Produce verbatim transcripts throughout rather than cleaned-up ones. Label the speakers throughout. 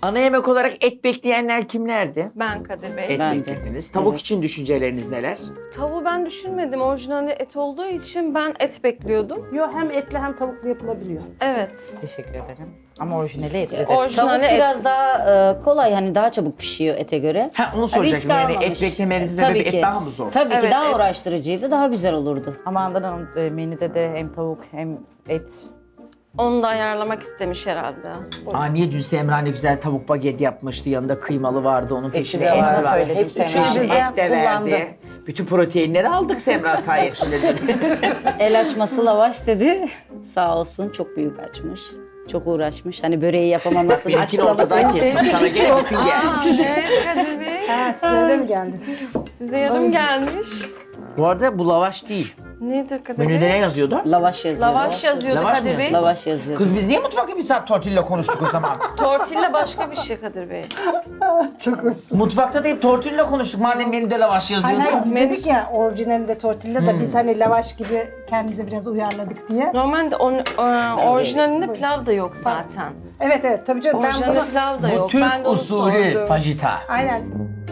Speaker 1: Ana yemek olarak et bekleyenler kimlerdi?
Speaker 2: Ben Kadir Bey.
Speaker 1: Et
Speaker 3: Ben de.
Speaker 1: beklediniz. Tavuk
Speaker 3: Evet.
Speaker 1: için düşünceleriniz neler?
Speaker 2: Tavuğu ben düşünmedim. Orijinalde et olduğu için ben et bekliyordum.
Speaker 4: Yo, hem etli hem tavuklu yapılabiliyor.
Speaker 2: Evet.
Speaker 5: Teşekkür ederim. Ama orijinali etlidir.
Speaker 2: Orijinali
Speaker 3: Tavuk
Speaker 2: et.
Speaker 3: biraz daha e, kolay, hani daha çabuk pişiyor ete göre.
Speaker 1: Ha onu soracaktım.
Speaker 3: Risk
Speaker 1: Yani
Speaker 3: almamış.
Speaker 1: et beklemenizin
Speaker 3: Tabii
Speaker 1: sebebi
Speaker 3: ki.
Speaker 1: et daha mı zor?
Speaker 3: Tabii
Speaker 2: Evet,
Speaker 3: ki daha
Speaker 2: et-
Speaker 3: uğraştırıcıydı, daha güzel olurdu.
Speaker 5: Ama Handan Hanım e, menüde de hem tavuk hem et.
Speaker 2: Onu da ayarlamak istemiş herhalde.
Speaker 1: Aa niye dün Semra ne güzel tavuk baget yapmıştı. Yanında kıymalı vardı. Onun peşine
Speaker 5: de
Speaker 1: et
Speaker 5: var,
Speaker 1: var.
Speaker 5: söyledim
Speaker 1: Hep
Speaker 5: Semra.
Speaker 1: üçüncü
Speaker 5: Üçünü
Speaker 1: et de
Speaker 5: kullandı.
Speaker 1: verdi. Bütün proteinleri aldık Semra sayesinde dün.
Speaker 3: El açması lavaş dedi. Sağ olsun, çok büyük açmış. Çok uğraşmış. Hani böreği yapamaması,
Speaker 1: Benimkini ortadan kesmiş. Sana gene bütün gelmiş.
Speaker 2: Evet Kadir Bey.
Speaker 4: Ha, size öyle mi geldi?
Speaker 2: Size yarım gelmiş.
Speaker 1: Bu arada bu lavaş değil.
Speaker 2: Nedir Kadir
Speaker 1: Menüde ne
Speaker 2: Bey?
Speaker 1: yazıyordu?
Speaker 3: Lavaş yazıyordu.
Speaker 2: Lavaş yazıyordu
Speaker 1: Lavaş mı
Speaker 2: Kadir Bey.
Speaker 1: yazıyor?
Speaker 3: Lavaş yazıyordu.
Speaker 1: Kız biz niye mutfakta bir saat tortilla konuştuk o zaman?
Speaker 2: Tortilla başka bir şey Kadir Bey.
Speaker 4: Çok hoşsun.
Speaker 1: Mutfakta da hep tortilla konuştuk. Madem menüde lavaş
Speaker 4: Hayır,
Speaker 1: yazıyordu.
Speaker 4: hayır, biz
Speaker 2: Menüs-
Speaker 4: dedik ya orijinalinde tortilla da biz hani lavaş gibi kendimize biraz uyarladık diye.
Speaker 2: Normalde on, e, orijinalinde pilav da yok zaten.
Speaker 4: Evet evet tabii canım ben
Speaker 2: Orijinalinde
Speaker 4: bunu...
Speaker 2: pilav da
Speaker 1: Bu
Speaker 2: yok.
Speaker 1: Türk
Speaker 2: ben de onu
Speaker 1: usulü
Speaker 2: sordum.
Speaker 1: fajita.
Speaker 4: Aynen.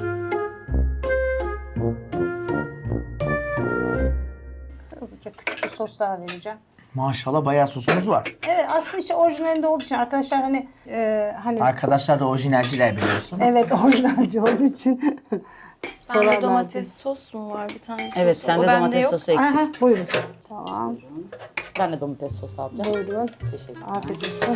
Speaker 4: Hızlıca küçük bir sos daha vereceğim.
Speaker 1: Maşallah bayağı sosumuz var.
Speaker 4: Evet aslında işte orijinalinde olduğu için arkadaşlar hani e, hani
Speaker 1: Arkadaşlar da orijinalciler biliyorsun.
Speaker 4: evet orijinalci olduğu için
Speaker 2: Bende
Speaker 4: sorarlardı.
Speaker 2: domates sos mu var? Bir tane sos.
Speaker 3: Evet,
Speaker 2: O
Speaker 3: sende
Speaker 2: bende
Speaker 3: domates
Speaker 2: yok.
Speaker 3: sosu eksik.
Speaker 4: Aha, buyurun. Tamam.
Speaker 5: Ben de domates sosu alacağım.
Speaker 4: Buyurun.
Speaker 5: Teşekkür ederim.
Speaker 4: Afiyet olsun.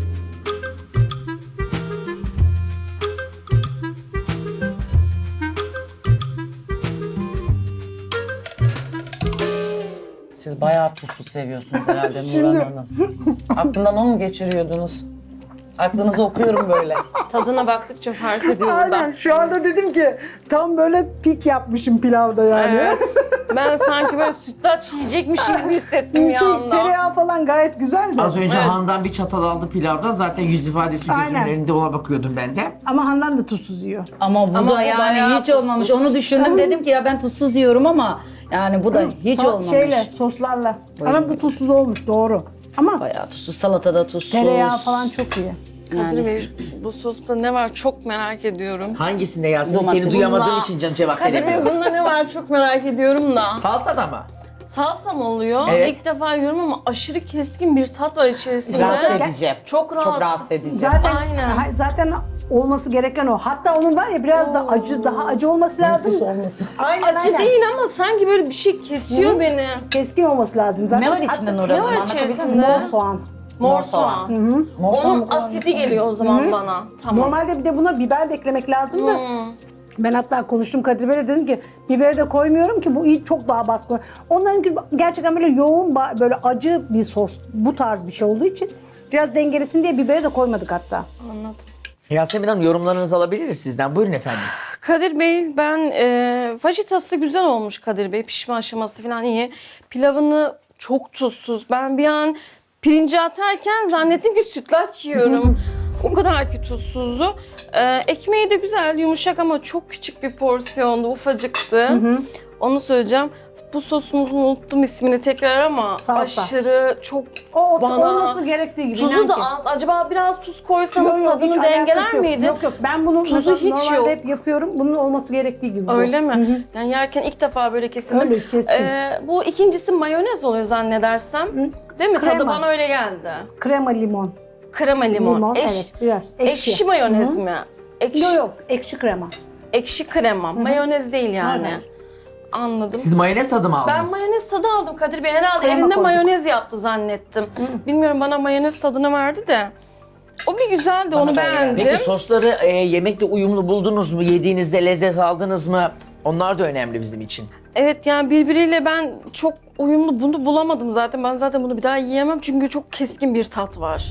Speaker 5: Siz bayağı tuzlu seviyorsunuz herhalde Nurhan Hanım. Aklından onu mu geçiriyordunuz? Aklınızı okuyorum böyle.
Speaker 2: Tadına baktıkça fark ediyorum
Speaker 4: Aynen
Speaker 2: ben.
Speaker 4: şu anda dedim ki tam böyle pik yapmışım pilavda yani.
Speaker 2: Evet. Ben sanki böyle sütlaç yiyecekmişim gibi hissettim bir
Speaker 4: Şey,
Speaker 2: anda.
Speaker 4: tereyağı falan gayet güzeldi.
Speaker 1: Az önce
Speaker 2: Evet.
Speaker 1: Handan bir çatal aldı pilavdan. Zaten yüz ifadesi gözümün
Speaker 4: Aynen.
Speaker 1: önünde ona bakıyordum ben de.
Speaker 4: Ama Handan da tuzsuz yiyor.
Speaker 3: Ama bu
Speaker 2: Ama
Speaker 3: da
Speaker 2: bu
Speaker 3: yani
Speaker 2: bayağı
Speaker 3: hiç olmamış.
Speaker 2: tuzsuz.
Speaker 3: Onu düşündüm, dedim ki ya ben tuzsuz yiyorum ama yani bu da hiç
Speaker 4: So-
Speaker 3: olmamış.
Speaker 4: Şeyle, soslarla. Ama bu tuzsuz olmuş doğru. Ama
Speaker 3: Bayağı tuzsuz, salatada tuzsuz.
Speaker 4: tereyağı falan çok iyi.
Speaker 2: Kadir Bey, bu sosta ne var çok merak ediyorum.
Speaker 1: Hangisinde Yasemin?
Speaker 3: Domates.
Speaker 1: Seni duyamadığım
Speaker 2: Bununla-
Speaker 1: için canım cevap
Speaker 2: Kadir Bey,
Speaker 1: veremiyorum.
Speaker 2: bunda ne var çok merak ediyorum da.
Speaker 1: Salsa da mı?
Speaker 2: Salsa mı oluyor?
Speaker 1: Evet.
Speaker 2: İlk defa yiyorum ama aşırı keskin bir tat var içerisinde.
Speaker 5: Rahatsız edici.
Speaker 2: Çok rahatsız.
Speaker 5: Çok rahatsız edici.
Speaker 4: Zaten
Speaker 2: Aynen.
Speaker 4: ha- zaten olması gereken o. Hatta onun var ya biraz da acı, daha acı olması lazım.
Speaker 5: Nefis olması.
Speaker 4: Aynen
Speaker 2: Acı
Speaker 4: aynen.
Speaker 2: değil ama sanki böyle bir şey kesiyor beni.
Speaker 4: Keskin olması lazım zaten.
Speaker 5: Ne var içinde Nurhan
Speaker 2: ne
Speaker 5: Hanım?
Speaker 2: var
Speaker 5: Anlatabilir
Speaker 2: içerisinde?
Speaker 5: misiniz?
Speaker 4: Mor soğan.
Speaker 2: Mor soğan.
Speaker 5: Mor soğan
Speaker 2: Onun
Speaker 5: mı kullanıyorsunuz?
Speaker 2: asidi geliyor o zaman bana. Tamam.
Speaker 4: Normalde bir de buna biber de eklemek lazım da. Ben hatta konuştum Kadir Bey'le dedim ki biberi de koymuyorum ki bu iyi çok daha baskın. Onlarınki gerçekten böyle yoğun ba- böyle acı bir sos bu tarz bir şey olduğu için biraz dengelesin diye biberi de koymadık hatta.
Speaker 2: Anladım.
Speaker 1: Yasemin Hanım yorumlarınızı alabiliriz sizden. Buyurun efendim.
Speaker 2: Kadir Bey ben e, fajitası güzel olmuş Kadir Bey. Pişme aşaması falan iyi. Pilavını çok tuzsuz. Ben bir an pirinci atarken zannettim ki sütlaç yiyorum. O kadar ki tuzsuzdu. E, ekmeği de güzel, yumuşak ama çok küçük bir porsiyondu, ufacıktı. Onu söyleyeceğim. Bu sosunuzun unuttum ismini tekrar ama
Speaker 4: Salsa.
Speaker 2: aşırı çok
Speaker 4: O, o
Speaker 2: bana...
Speaker 4: olması gerektiği gibi. inan
Speaker 2: Tuzu da
Speaker 4: ki.
Speaker 2: az. Acaba biraz tuz koysanız
Speaker 4: Yok, yok, hiç
Speaker 2: tadını
Speaker 4: alakası
Speaker 2: dengeler
Speaker 4: yok.
Speaker 2: miydi?
Speaker 4: Yok yok ben bunu
Speaker 2: Tuzu
Speaker 4: mesela
Speaker 2: hiç
Speaker 4: normalde
Speaker 2: yok.
Speaker 4: hep yapıyorum. Bunun olması gerektiği gibi. bu.
Speaker 2: Öyle mi? Yani yerken ilk defa böyle kesildim.
Speaker 4: Öyle, keskin.
Speaker 2: Ee, bu ikincisi mayonez oluyor zannedersem. Değil mi? Tadı
Speaker 4: Krema.
Speaker 2: bana öyle geldi.
Speaker 4: Krema limon.
Speaker 2: Krema limon.
Speaker 4: Limon,
Speaker 2: Eş-
Speaker 4: evet, biraz ekşi.
Speaker 2: ekşi mayonez mi? Ekşi,
Speaker 4: Yok yok ekşi krema.
Speaker 2: ekşi krema. Mayonez değil yani.
Speaker 4: Aynen.
Speaker 2: Anladım.
Speaker 1: Siz mayonez tadı mı
Speaker 2: Ben
Speaker 1: aldınız?
Speaker 2: mayonez tadı aldım Kadir Bey. Herhalde
Speaker 4: Krema
Speaker 2: elinde
Speaker 4: koyduk.
Speaker 2: mayonez yaptı zannettim. Bilmiyorum bana mayonez tadını verdi de. O bir güzeldi, onu
Speaker 5: da öyle.
Speaker 2: beğendim.
Speaker 1: Peki sosları e, yemekle uyumlu buldunuz mu? Yediğinizde lezzet aldınız mı? Onlar da önemli bizim için.
Speaker 2: Evet yani birbiriyle ben çok uyumlu bunu bulamadım zaten. Ben zaten bunu bir daha yiyemem çünkü çok keskin bir tat var.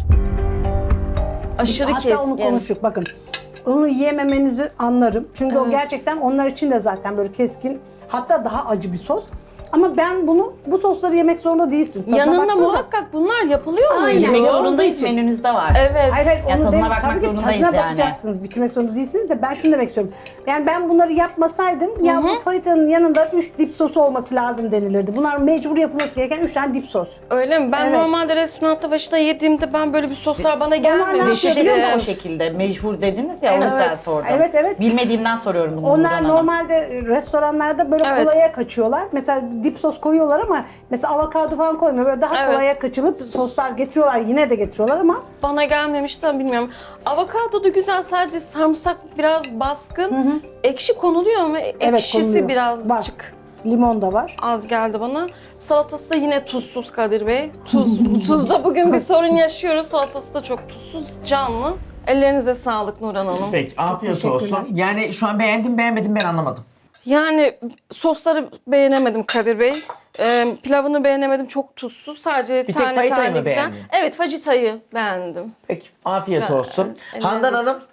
Speaker 2: Aşırı
Speaker 4: Hatta
Speaker 2: keskin.
Speaker 4: onu konuştuk bakın. Onu yiyememenizi anlarım. Çünkü o
Speaker 2: Evet.
Speaker 4: gerçekten onlar için de zaten böyle keskin hatta daha acı bir sos. Ama ben bunu, bu sosları yemek zorunda değilsiniz. Tadına
Speaker 2: Yanında
Speaker 4: baktığınız zaman-
Speaker 2: muhakkak bunlar yapılıyor mu?
Speaker 4: Aynen.
Speaker 6: Yemek
Speaker 4: Olduğu
Speaker 6: zorundayız,
Speaker 4: için.
Speaker 6: menünüzde var.
Speaker 2: Evet.
Speaker 4: Hayır hayır
Speaker 6: Ya
Speaker 4: onu
Speaker 6: tadına
Speaker 4: dem-
Speaker 6: bakmak
Speaker 4: tabii ki
Speaker 6: zorundayız
Speaker 4: tadına
Speaker 6: yani.
Speaker 4: bakacaksınız. Bitirmek zorunda değilsiniz de ben şunu demek istiyorum. Yani ben bunları yapmasaydım ya bu fajitanın yanında üç dip sosu olması lazım denilirdi. Bunlar mecbur yapılması gereken üç tane dip sos.
Speaker 2: Öyle mi? Ben
Speaker 4: Evet.
Speaker 2: normalde restoranda başta yediğimde ben böyle bir soslar bana
Speaker 4: ne
Speaker 2: gelmemişti.
Speaker 4: yapıyor biliyor
Speaker 6: İşte o
Speaker 4: musun?
Speaker 6: şekilde mecbur dediniz ya o
Speaker 4: Evet,
Speaker 6: yüzden sordum.
Speaker 4: evet, evet.
Speaker 6: Bilmediğimden soruyorum bunu. Nurhan
Speaker 4: Onlar
Speaker 6: Hanım.
Speaker 4: normalde e, restoranlarda böyle
Speaker 2: Evet.
Speaker 4: kolaya kaçıyorlar. Mesela dip sos koyuyorlar ama mesela avokado falan koymuyor. Böyle daha
Speaker 2: Evet.
Speaker 4: kolaya kaçılıp soslar getiriyorlar. Yine de getiriyorlar ama
Speaker 2: Bana gelmemişti ama bilmiyorum. Avokado da güzel, sadece sarımsak biraz baskın. Ekşi konuluyor mu? Ekşisi
Speaker 4: konuluyor.
Speaker 2: birazcık
Speaker 4: limon da var.
Speaker 2: az geldi bana. Salatası da yine tuzsuz Kadir Bey. Tuz, tuzda bugün bir sorun yaşıyoruz. Salatası da çok tuzsuz, canlı. Ellerinize sağlık Nurhan Hanım.
Speaker 1: Peki afiyet
Speaker 4: teşekkürler.
Speaker 1: olsun. Yani şu an beğendim beğenmedim ben anlamadım.
Speaker 2: Yani sosları beğenemedim Kadir Bey. Ee, pilavını beğenemedim, çok tuzsuz. Sadece
Speaker 1: Bir tek
Speaker 2: tane
Speaker 1: fajitayı
Speaker 2: tane
Speaker 1: mı
Speaker 2: güzel.
Speaker 1: beğendin?
Speaker 2: Evet, fajitayı beğendim.
Speaker 1: Peki afiyet
Speaker 2: Güzel.
Speaker 1: olsun.
Speaker 2: Elinize
Speaker 1: Handan
Speaker 2: sağlık.
Speaker 1: Hanım.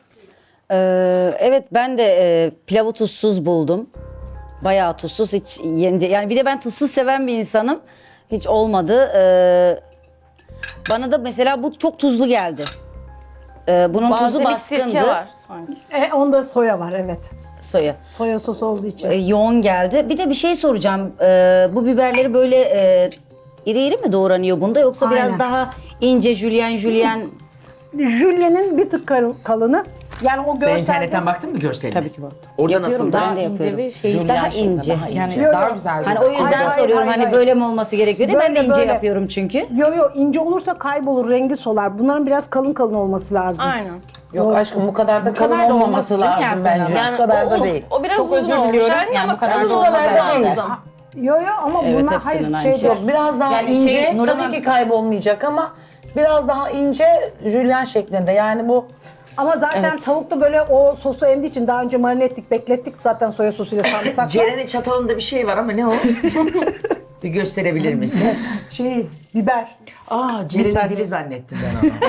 Speaker 3: Ee, evet ben de e, pilavı tuzsuz buldum. Bayağı tuzsuz, hiç yence yani bir de ben tuzsuz seven bir insanım. Hiç olmadı. Ee, bana da mesela bu çok tuzlu geldi. Ee, bunun tuzu
Speaker 2: Balzamik sirke
Speaker 3: baskındı.
Speaker 2: var sanki.
Speaker 4: E, onda soya var evet.
Speaker 3: Soya.
Speaker 4: Soya sosu olduğu için.
Speaker 3: Ee, yoğun geldi. Bir de bir şey soracağım. Ee, bu biberleri böyle e, iri iri mi doğranıyor bunda, yoksa biraz
Speaker 4: Aynen.
Speaker 3: daha ince jülyen jülyen?
Speaker 4: Jülyen'in bir tık kal- kalını. Yani o
Speaker 1: Sen
Speaker 4: görselde...
Speaker 1: internetten baktın mı görseline?
Speaker 3: Tabii ki var.
Speaker 1: Orada
Speaker 3: Yapıyorum,
Speaker 1: nasıldı?
Speaker 3: ben de yapıyorum.
Speaker 6: İnce ve şey,
Speaker 3: Daha
Speaker 6: jülyen şeklinde,
Speaker 3: ince.
Speaker 6: daha
Speaker 3: Yani
Speaker 6: ince.
Speaker 4: Yok,
Speaker 6: Daha
Speaker 4: yok.
Speaker 6: güzel.
Speaker 3: Hani o yüzden
Speaker 4: Hayır, hayır,
Speaker 3: soruyorum,
Speaker 4: hayır,
Speaker 3: hani
Speaker 4: hayır.
Speaker 3: böyle mi olması gerekiyor diye. Ben de
Speaker 4: Böyle,
Speaker 3: ince
Speaker 4: böyle.
Speaker 3: yapıyorum çünkü.
Speaker 4: Yo yo ince olursa kaybolur, rengi solar. Bunların biraz kalın kalın olması lazım.
Speaker 2: Aynen.
Speaker 5: Yok aşkım bu kadar da kalın
Speaker 6: kadar da
Speaker 5: olmaması
Speaker 6: olması değil mi
Speaker 5: lazım
Speaker 6: Yasemin
Speaker 5: bence.
Speaker 6: Hanım?
Speaker 5: Şu kadar
Speaker 2: o,
Speaker 5: da
Speaker 2: o-
Speaker 5: değil.
Speaker 2: O biraz
Speaker 6: Çok
Speaker 2: uzun
Speaker 6: özür
Speaker 2: olmuş.
Speaker 6: diliyorum.
Speaker 2: Aynen,
Speaker 6: Yani
Speaker 2: ama
Speaker 6: bu kadar
Speaker 2: kalın
Speaker 6: da
Speaker 2: olması
Speaker 6: olmaz yani.
Speaker 2: lazım.
Speaker 4: Yo yo ama
Speaker 3: Evet,
Speaker 4: bunlar
Speaker 3: hepsinin
Speaker 4: hayır
Speaker 3: aynı
Speaker 4: şey
Speaker 3: şey.
Speaker 4: değil.
Speaker 5: Biraz daha
Speaker 6: Yani
Speaker 5: ince,
Speaker 6: şey, Nurhan
Speaker 5: tabii
Speaker 6: Hanım-
Speaker 5: ki kaybolmayacak ama biraz daha ince jülyen şeklinde. Yani bu
Speaker 4: Ama zaten tavuk da böyle o sosu emdiği için daha önce marine ettik, beklettik zaten soya sosuyla sarımsakla.
Speaker 1: Ceren'in çatalında bir şey var ama ne o? Bir gösterebilir misin?
Speaker 4: şey, biber.
Speaker 1: Aa Ceren'in dili zannettim ben onu.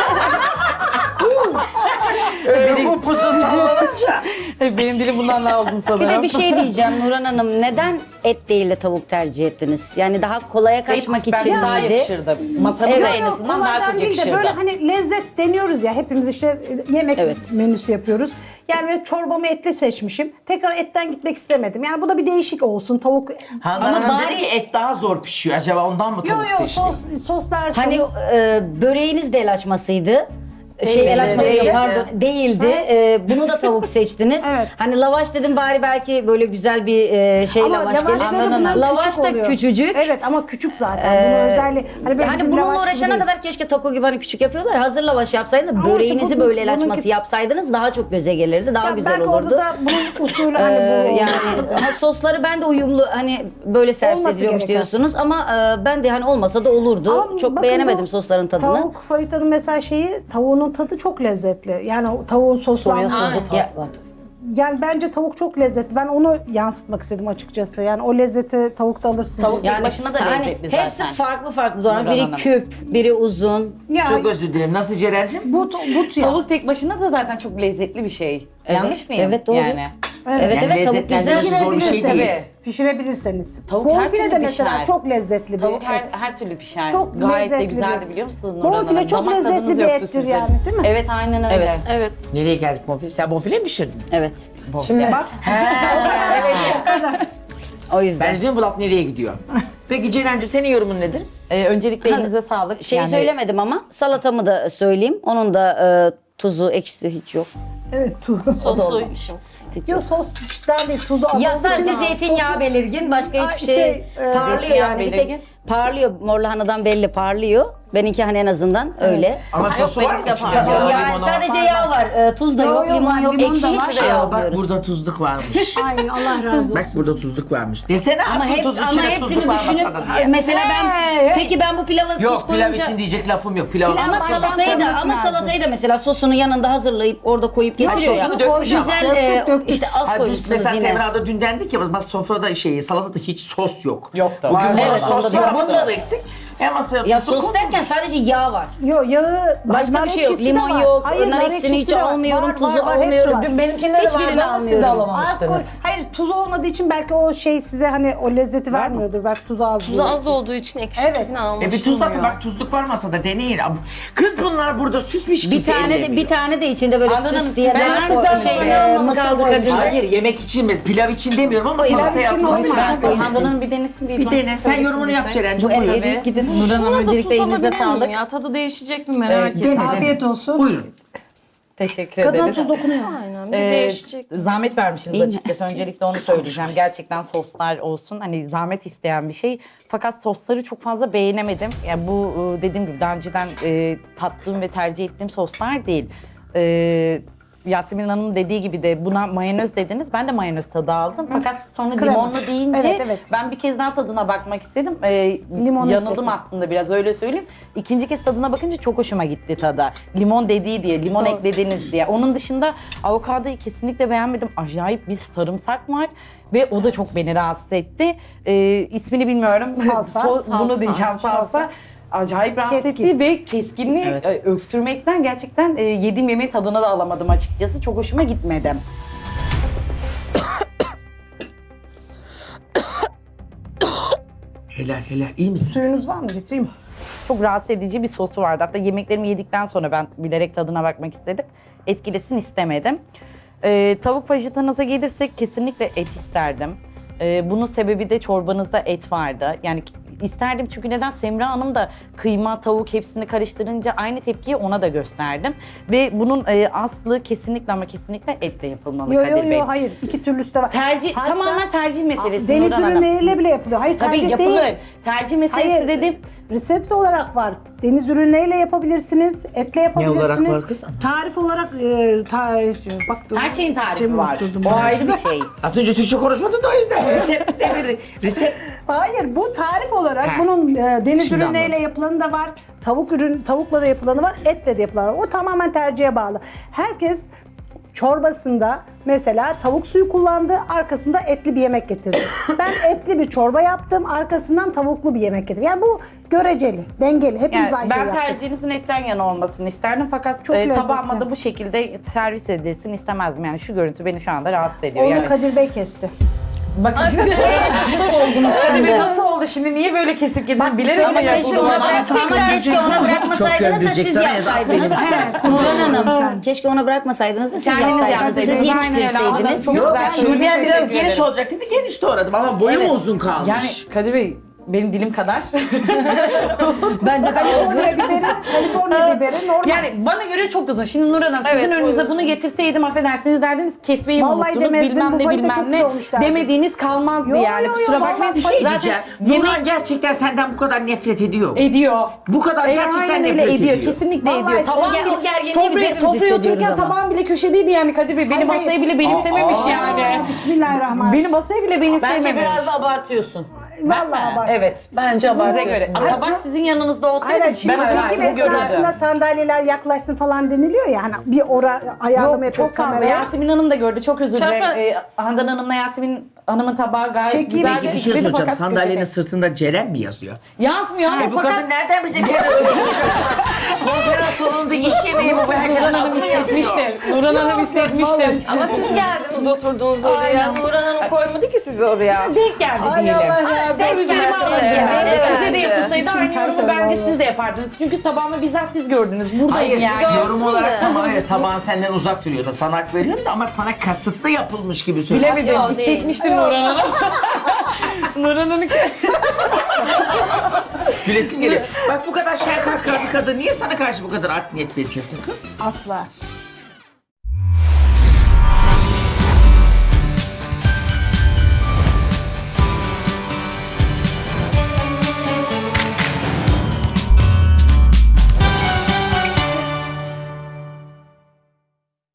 Speaker 1: Öyle bu pusu sallanınca.
Speaker 6: Benim dilim bundan daha uzun sanırım.
Speaker 3: Bir de bir şey diyeceğim Nurhan Hanım. Neden et değil de tavuk tercih ettiniz? Yani daha kolaya kaçmak
Speaker 6: Bence
Speaker 3: için
Speaker 6: daha
Speaker 3: miydi?
Speaker 6: yakışırdı. Masamıza
Speaker 3: Evet.
Speaker 6: en azından daha
Speaker 4: Kolaydan
Speaker 6: çok
Speaker 4: değil de
Speaker 6: yakışırdı.
Speaker 4: böyle hani lezzet deniyoruz ya, hepimiz işte yemek
Speaker 3: Evet.
Speaker 4: menüsü yapıyoruz. Yani böyle çorbamı etli seçmişim. Tekrar etten gitmek istemedim. Yani bu da bir değişik olsun. Tavuk...
Speaker 1: Handan
Speaker 3: Ama
Speaker 1: Hanım
Speaker 3: bari-
Speaker 1: dedi ki et daha zor pişiyor. Acaba ondan mı
Speaker 4: Yo
Speaker 1: tavuk
Speaker 4: yo
Speaker 1: seçti?
Speaker 4: sos, soslarsanız...
Speaker 3: Hani e, böreğiniz de el açmasıydı. Şey el açması
Speaker 2: değildi.
Speaker 3: pardon değildi. E, bunu da tavuk seçtiniz.
Speaker 4: Evet.
Speaker 3: Hani lavaş dedim, bari belki böyle güzel bir e, şey
Speaker 4: ama
Speaker 3: lavaş
Speaker 4: lavaşları
Speaker 3: gelir.
Speaker 4: bunların
Speaker 3: Lavaş
Speaker 4: küçük
Speaker 3: da
Speaker 4: oluyor.
Speaker 3: küçücük.
Speaker 4: Evet ama küçük zaten. Bunun özelliği... Hani, böyle
Speaker 3: Hani
Speaker 4: bizim
Speaker 3: bununla
Speaker 4: lavaş gibi
Speaker 3: uğraşana
Speaker 4: değil.
Speaker 3: kadar keşke taco gibi hani küçük yapıyorlar. Hazır lavaş yapsaydınız,
Speaker 4: Ama
Speaker 3: böreğinizi
Speaker 4: işte bu-
Speaker 3: böyle el
Speaker 4: bununki-
Speaker 3: açması yapsaydınız daha çok göze gelirdi. Daha
Speaker 4: Ya
Speaker 3: güzel
Speaker 4: belki
Speaker 3: olurdu.
Speaker 4: orada da bunun usulü hani
Speaker 3: Ee,
Speaker 4: bu...
Speaker 3: yani ha, sosları ben de uyumlu, hani böyle servis
Speaker 4: Olması
Speaker 3: ediliyormuş
Speaker 4: gereken.
Speaker 3: diyorsunuz ama e, ben de hani olmasa da olurdu.
Speaker 4: Ama
Speaker 3: çok
Speaker 4: bakın
Speaker 3: beğenemedim
Speaker 4: bu
Speaker 3: sosların tadını.
Speaker 4: Tavuk fajitanın mesela şeyi, tavuğunun tadı çok lezzetli. Yani o tavuğun
Speaker 5: soya
Speaker 4: soslanması.
Speaker 5: sosu
Speaker 3: Ya-
Speaker 5: tasla.
Speaker 4: Yani bence tavuk çok lezzetli. Ben onu yansıtmak istedim açıkçası. Yani o lezzeti tavukta alırsın.
Speaker 6: Tavuk tek
Speaker 3: Yani
Speaker 6: başına da
Speaker 3: hani
Speaker 6: lezzetli zaten.
Speaker 3: hepsi farklı farklı doğran.
Speaker 6: Nurhan
Speaker 3: Biri
Speaker 6: Hanım.
Speaker 3: küp, biri uzun.
Speaker 4: Yani
Speaker 1: Çok özür dilerim. Nasıl Ceren'cim?
Speaker 4: but, but ya.
Speaker 6: Tavuk tek başına da zaten çok lezzetli bir şey. Yanlış mıyım?
Speaker 3: Evet, doğru.
Speaker 6: Yani.
Speaker 3: Evet evet,
Speaker 1: Yani
Speaker 3: tavuk güzel.
Speaker 1: lezzetlendirici zor bir şey
Speaker 4: Pişirebilirseniz.
Speaker 1: değil.
Speaker 4: Pişirebilirseniz.
Speaker 6: Tavuk her
Speaker 4: Bonfile
Speaker 6: türlü
Speaker 4: de mesela
Speaker 6: pişer.
Speaker 4: çok lezzetli bir
Speaker 6: Tavuk her,
Speaker 4: et.
Speaker 6: her türlü pişer.
Speaker 4: Çok
Speaker 6: Gayet de
Speaker 4: lezzetli
Speaker 6: güzeldi
Speaker 4: bir-
Speaker 6: biliyor musunuz Nurhan
Speaker 4: Bonfile
Speaker 6: Hanım?
Speaker 4: çok
Speaker 6: Damak
Speaker 4: lezzetli
Speaker 6: tadınız
Speaker 4: bir
Speaker 6: yoktu
Speaker 4: ettir
Speaker 6: sizin.
Speaker 4: yani, değil mi?
Speaker 6: Evet aynen öyle.
Speaker 3: Evet.
Speaker 2: Evet.
Speaker 1: Nereye geldik bonfile? Sen bonfile mi pişirdin?
Speaker 3: Evet.
Speaker 5: Şimdi
Speaker 4: Bak.
Speaker 3: O yüzden.
Speaker 1: Ben de diyorum bu laf nereye gidiyor? Peki Ceren'cim senin yorumun nedir?
Speaker 6: Ee, öncelikle elinize sağlık.
Speaker 3: Şeyi
Speaker 6: Yani-
Speaker 3: söylemedim ama salatamı da söyleyeyim. Onun da e, tuzu, ekşisi hiç yok.
Speaker 4: Evet tuz.
Speaker 2: Sosu için.
Speaker 3: Hiç
Speaker 4: Yo
Speaker 3: yok.
Speaker 4: sos işten değil, tuzu az
Speaker 3: Ya
Speaker 4: olduğu
Speaker 3: sadece
Speaker 4: için-
Speaker 3: zeytinyağı
Speaker 4: Sosu-
Speaker 3: belirgin, başka
Speaker 4: Ay,
Speaker 3: hiçbir şey,
Speaker 4: şey, e,
Speaker 3: parlıyor
Speaker 6: zeytinyağı
Speaker 3: yani. Bir
Speaker 6: belirgin.
Speaker 3: tek parlıyor, mor lahanadan belli parlıyor. Benimki hani en azından öyle.
Speaker 1: Ama
Speaker 6: Yok,
Speaker 1: sosu var mı
Speaker 6: benimki de
Speaker 1: içinde?
Speaker 6: parlıyor.
Speaker 1: Yağ,
Speaker 3: Yani
Speaker 1: limonu.
Speaker 3: sadece yağ var, e, tuz da
Speaker 4: Yo,
Speaker 3: yok,
Speaker 4: yo,
Speaker 3: limon
Speaker 4: var,
Speaker 3: yok,
Speaker 4: limon
Speaker 3: ekşi
Speaker 4: da var.
Speaker 3: hiçbir şey
Speaker 1: Aa,
Speaker 3: yapmıyoruz.
Speaker 1: bak burada tuzluk varmış.
Speaker 4: Ay Allah razı olsun.
Speaker 1: Bak burada tuzluk varmış. Desene
Speaker 3: Ama,
Speaker 1: atın
Speaker 3: hep,
Speaker 1: tuzlu
Speaker 3: ama
Speaker 1: içine
Speaker 3: hepsini
Speaker 1: tuzluk var
Speaker 3: düşünüp
Speaker 1: masada diye.
Speaker 3: mesela ben
Speaker 4: Hey, hey.
Speaker 3: peki ben bu pilava tuz
Speaker 1: Yok pilav
Speaker 3: koyunca
Speaker 1: için diyecek lafım yok. Pilav
Speaker 3: ama
Speaker 4: baştan
Speaker 3: salatayı da
Speaker 4: koyması
Speaker 3: ama
Speaker 4: lazım.
Speaker 3: salatayı da mesela sosunu yanında hazırlayıp orada koyup getiriyor ya.
Speaker 1: sosunu dökmüş ama.
Speaker 3: Güzel
Speaker 4: Döktük,
Speaker 3: e,
Speaker 4: döktük.
Speaker 3: işte az
Speaker 1: Ha, düz,
Speaker 3: koymuşsunuz
Speaker 1: mesela
Speaker 3: yine.
Speaker 1: Semra'da dün dendik ya mas sofrada şeyi salatada hiç sos yok.
Speaker 6: Yok da
Speaker 1: Bugün
Speaker 6: var.
Speaker 1: bana
Speaker 3: Evet,
Speaker 1: sos
Speaker 3: onda da
Speaker 1: var
Speaker 3: var.
Speaker 1: ama
Speaker 3: Bunda-
Speaker 1: tuz eksik. Ben masaya
Speaker 3: Ya
Speaker 1: tuzlu
Speaker 3: sos
Speaker 1: koydum.
Speaker 3: derken sadece yağ var.
Speaker 4: Yo yağı
Speaker 3: Başka
Speaker 4: nar
Speaker 3: bir şey yok.
Speaker 4: ekşisi de
Speaker 3: Limon
Speaker 4: var.
Speaker 3: yok,
Speaker 4: Hayır,
Speaker 3: nar ekşisini
Speaker 4: ekşisi
Speaker 3: hiç
Speaker 4: de var.
Speaker 3: almıyorum,
Speaker 4: Var,
Speaker 3: tuzu
Speaker 4: var, var, hepsi
Speaker 3: almıyorum.
Speaker 4: var.
Speaker 5: Dün benimkinde de
Speaker 3: Hiçbirini
Speaker 5: vardı ama siz de
Speaker 3: almıyorum.
Speaker 4: Az koy.
Speaker 5: alamamıştınız.
Speaker 4: Hayır tuz olmadığı için belki o şey size hani o lezzeti vermiyordur. Belki tuzu az.
Speaker 2: Tuzu az olduğu için ekşisi
Speaker 4: Evet.
Speaker 2: falan
Speaker 1: E bir tuz atın
Speaker 2: anlaşılmıyor.
Speaker 1: bak tuzluk var masada deneyin. Ab- Kız bunlar burada süsmüş
Speaker 3: Bir
Speaker 1: kimse
Speaker 3: tane de
Speaker 1: ellemiyor.
Speaker 3: bir tane de içinde böyle
Speaker 5: Anladım.
Speaker 3: süs diye
Speaker 5: Ben
Speaker 3: ben
Speaker 5: artık
Speaker 3: o
Speaker 5: zaten
Speaker 3: şey
Speaker 5: öyle
Speaker 3: e,
Speaker 5: olmadı
Speaker 3: mısır
Speaker 5: kaldı
Speaker 3: koydum.
Speaker 5: Kadir.
Speaker 1: Hayır yemek için mi? Pilav için demiyorum ama salataya
Speaker 4: için
Speaker 1: atılmış.
Speaker 4: olmaz.
Speaker 1: Ben-
Speaker 4: Ben-
Speaker 5: Handan'ın bir denesin
Speaker 1: Bir dene. Sen yorumunu yap Ceren'cim.
Speaker 3: Bu et
Speaker 1: Buyurun.
Speaker 3: yedik gidin.
Speaker 2: Şuna
Speaker 3: Nurhan Hanım
Speaker 2: da
Speaker 3: öncelikle
Speaker 2: tuz
Speaker 3: elinize
Speaker 2: alabilir miyim
Speaker 3: sağlık.
Speaker 2: ya? Tadı değişecek mi merak
Speaker 5: Evet,
Speaker 2: ettim.
Speaker 5: dene.
Speaker 4: Afiyet olsun.
Speaker 1: Buyurun.
Speaker 5: Teşekkür
Speaker 4: Kadına
Speaker 5: ederim.
Speaker 4: tuz dokunuyor.
Speaker 2: Aynen bir
Speaker 5: Ee,
Speaker 2: değişecek.
Speaker 5: zahmet vermişsiniz
Speaker 3: Değil mi?
Speaker 5: açıkçası. Öncelikle onu söyleyeceğim. Gerçekten soslar olsun. Hani zahmet isteyen bir şey. Fakat sosları çok fazla beğenemedim. Yani bu e, dediğim gibi daha önceden e, tattığım ve tercih ettiğim soslar değil. E, Yasemin Hanım'ın dediği gibi de buna mayonez dediniz. Ben de mayonez tadı aldım. Fakat sonra
Speaker 4: Krema.
Speaker 5: limonlu deyince
Speaker 4: Evet, evet.
Speaker 5: ben bir kez daha tadına bakmak istedim. E,
Speaker 4: Limonu
Speaker 5: yanıldım
Speaker 4: hissettim.
Speaker 5: aslında biraz öyle söyleyeyim. İkinci kez tadına bakınca çok hoşuma gitti tadı. Limon dediği diye, limon
Speaker 4: Doğru.
Speaker 5: eklediniz diye. Onun dışında avokadoyu kesinlikle beğenmedim. Acayip bir sarımsak var ve o da çok beni rahatsız etti. Ee, ismini bilmiyorum.
Speaker 4: Salsa.
Speaker 5: So- Bunu
Speaker 2: Salsa.
Speaker 5: diyeceğim salsa.
Speaker 4: Salsa.
Speaker 5: Acayip rahatsız
Speaker 4: Keskin.
Speaker 5: etti ve keskinliği
Speaker 1: Evet.
Speaker 5: e, öksürmekten gerçekten e, yediğim yemeğin tadını da alamadım açıkçası. Çok hoşuma gitmedi.
Speaker 1: Helal helal. İyi misin?
Speaker 4: Suyunuz var mı? Getireyim mi?
Speaker 5: Çok rahatsız edici bir sosu vardı. Hatta yemeklerimi yedikten sonra ben bilerek tadına bakmak istedim. Etkilesin istemedim. Ee, tavuk fajitanıza gelirsek kesinlikle et isterdim. Ee, bunun sebebi de çorbanızda et vardı. Yani isterdim çünkü neden? Semra Hanım da kıyma, tavuk hepsini karıştırınca aynı tepkiyi ona da gösterdim. Ve bunun e, aslı kesinlikle ama kesinlikle etle yapılmalı
Speaker 4: Yo
Speaker 5: Kadir
Speaker 4: yo
Speaker 5: Bey.
Speaker 4: yo hayır. İki türlüsü de var.
Speaker 5: Tercih,
Speaker 4: Hatta
Speaker 5: tamamen tercih meselesi
Speaker 4: deniz
Speaker 5: Nurhan Hanım.
Speaker 4: ürünleriyle bile yapılıyor. Hayır
Speaker 5: Tabii
Speaker 4: tercih
Speaker 5: yapılır.
Speaker 4: değil.
Speaker 5: Tercih meselesi
Speaker 4: Hayır.
Speaker 5: dedim.
Speaker 4: Resept olarak var. Deniz ürünleriyle yapabilirsiniz, etle yapabilirsiniz.
Speaker 1: olarak var kız?
Speaker 4: Tarif olarak e, ta, bak, dur.
Speaker 5: Her şeyin tarifi
Speaker 4: Cem
Speaker 5: var.
Speaker 4: oturdum
Speaker 5: O
Speaker 4: ben.
Speaker 5: ayrı bir şey.
Speaker 1: Az önce Türkçe konuşmadın da o yüzden. Resept devir. Resept.
Speaker 4: Hayır bu tarif olarak
Speaker 1: He.
Speaker 4: bunun e, deniz
Speaker 1: Şimdi
Speaker 4: ürünleriyle
Speaker 1: anladım.
Speaker 4: yapılanı da var. Tavuk ürün tavukla da yapılanı var, etle de yapılanı var. O tamamen tercihe bağlı. Herkes çorbasında mesela tavuk suyu kullandı, arkasında etli bir yemek getirdi. Ben etli bir çorba yaptım, arkasından tavuklu bir yemek getirdim. Yani bu göreceli, dengeli. Hepimiz
Speaker 5: Yani
Speaker 4: aynı
Speaker 5: ben
Speaker 4: şeyi yaptık.
Speaker 5: tercihinizin etten yana olmasını isterdim fakat
Speaker 4: Çok
Speaker 5: e,
Speaker 4: lezzetli.
Speaker 5: tabağıma da bu şekilde servis edilsin istemezdim. Yani şu görüntü beni şu anda rahatsız ediyor.
Speaker 4: Onu
Speaker 5: Yani
Speaker 4: Kadir Bey kesti.
Speaker 5: bakın nasıl oldu şimdi? Niye böyle kesip getirdin? Bilerek
Speaker 3: Ama
Speaker 5: mi
Speaker 3: keşke
Speaker 5: yapıldı?
Speaker 3: ona, bırak, ama keşke ona bırakmasaydınız da siz
Speaker 1: gömülecek
Speaker 3: yapsaydınız. Nurhan Hanım, keşke ona bırakmasaydınız da siz
Speaker 5: Kendiniz
Speaker 3: yapsaydınız. Siz
Speaker 5: yapsaydınız. Aynen öyle.
Speaker 3: yetiştirseydiniz.
Speaker 5: Çok
Speaker 1: Yok
Speaker 5: güzel.
Speaker 1: Şuriye biraz
Speaker 5: Teşekkür
Speaker 1: geniş
Speaker 5: ederim.
Speaker 1: olacak dedi. Geniş doğradım ama boyum
Speaker 5: Evet.
Speaker 1: uzun kalmış.
Speaker 5: Yani Kadir Bey benim dilim kadar.
Speaker 3: Bence
Speaker 4: Kaliforniya biberi, Kaliforniya biberi normal.
Speaker 5: Yani bana göre çok uzun. Şimdi Nur Hanım sizin
Speaker 2: Evet,
Speaker 5: önünüze
Speaker 2: uzun.
Speaker 5: bunu getirseydim affedersiniz derdiniz kesmeyi mi
Speaker 4: Vallahi
Speaker 5: unuttunuz
Speaker 4: demezdim,
Speaker 5: bilmem
Speaker 4: bu
Speaker 5: ne
Speaker 4: fayda
Speaker 5: bilmem
Speaker 4: çok
Speaker 5: ne
Speaker 4: iyi olmuş derdim.
Speaker 5: demediğiniz kalmazdı
Speaker 4: Yo,
Speaker 5: yani
Speaker 4: yo, yo,
Speaker 5: kusura
Speaker 4: vallahi
Speaker 5: bakmayın.
Speaker 1: bir şey
Speaker 5: Zaten
Speaker 1: diyeceğim.
Speaker 5: yemek
Speaker 1: Nurhan gerçekten senden bu kadar nefret ediyor.
Speaker 5: ediyor.
Speaker 1: Bu kadar
Speaker 5: Evet,
Speaker 1: gerçekten
Speaker 5: aynen öyle
Speaker 1: nefret
Speaker 5: ediyor.
Speaker 1: ediyor.
Speaker 5: Kesinlikle
Speaker 4: Vallahi
Speaker 5: ediyor.
Speaker 4: o
Speaker 5: Tabağım
Speaker 3: ger-
Speaker 5: bile,
Speaker 3: o gerginliği biz
Speaker 5: sofraya,
Speaker 3: hepimiz
Speaker 5: sofraya
Speaker 3: hissediyoruz
Speaker 5: otururken
Speaker 3: ama.
Speaker 5: tabağım bile köşedeydi yani Kadir Bey. Benim
Speaker 4: Hayır,
Speaker 5: masayı bile benimsememiş
Speaker 1: Aa.
Speaker 5: yani.
Speaker 4: Aa, Bismillahirrahmanirrahim.
Speaker 5: Benim masayı bile benimsememiş.
Speaker 6: Bence biraz da abartıyorsun.
Speaker 4: Vallahi bak.
Speaker 5: Evet, bence
Speaker 4: Size
Speaker 5: abartıyorsun.
Speaker 4: göre.
Speaker 5: Ama tabak sizin yanınızda olsaydı
Speaker 4: Aynen
Speaker 5: ben
Speaker 4: şimdi
Speaker 5: acayip
Speaker 4: çekim
Speaker 5: bunu görürdüm.
Speaker 4: esnasında sandalyeler yaklaşsın falan deniliyor ya hani bir ora ayarlama
Speaker 5: Yok
Speaker 4: yapıyoruz
Speaker 5: çok fazla.
Speaker 4: kameraya.
Speaker 5: Yasemin Hanım da gördü. Çok özür dilerim.
Speaker 2: Çarpı-
Speaker 5: Ee, Handan Hanım'la Yasemin Hanım'ın tabağı gayet
Speaker 4: Çekeyim.
Speaker 5: güzel
Speaker 1: Peki bir şey
Speaker 5: şekilde
Speaker 1: soracağım.
Speaker 5: fakat
Speaker 1: Sandalyenin
Speaker 5: köşede.
Speaker 1: sırtında Ceren mi yazıyor?
Speaker 5: Yazmıyor ama
Speaker 1: E bu
Speaker 5: fakat
Speaker 1: kadın nereden bilecek seni öyle konferans salonunda iş yemeği mi bu? Herkesin
Speaker 5: Nurhan Hanım
Speaker 1: aklına yazıyor.
Speaker 5: hissetmiştir. Nurhan Hanım hissetmiştir.
Speaker 2: Ama siz geldiniz oturdunuz oraya. Nurhan Hanım koymadı ki sizi oraya.
Speaker 5: Denk geldi
Speaker 4: Ay
Speaker 5: diyelim.
Speaker 4: Allah ya.
Speaker 5: Sen
Speaker 4: denk
Speaker 5: üzerime
Speaker 4: geldi.
Speaker 5: alın.
Speaker 2: Evet.
Speaker 5: Size de yapılsaydı
Speaker 4: İçim
Speaker 5: aynı yorumu
Speaker 4: kalkıyor
Speaker 5: bence
Speaker 4: vallahi.
Speaker 5: siz de yapardınız. Çünkü tabağımı bizzat siz gördünüz. Buradayım
Speaker 1: Hayır,
Speaker 5: yani.
Speaker 1: yorum olarak tamam evet tabağın senden uzak duruyor da sana hak veriyorum da ama sana kasıtlı yapılmış gibi söylüyorsun.
Speaker 5: Bilemedim.
Speaker 2: Yok, değil.
Speaker 5: Hissetmiştim Nurhan Hanım. Nurhan Hanım.
Speaker 1: Gülesim geliyor. Bak bu kadar şenkar bir kadın niye sana karşı bu kadar art niyet beslesin kız?
Speaker 4: Asla.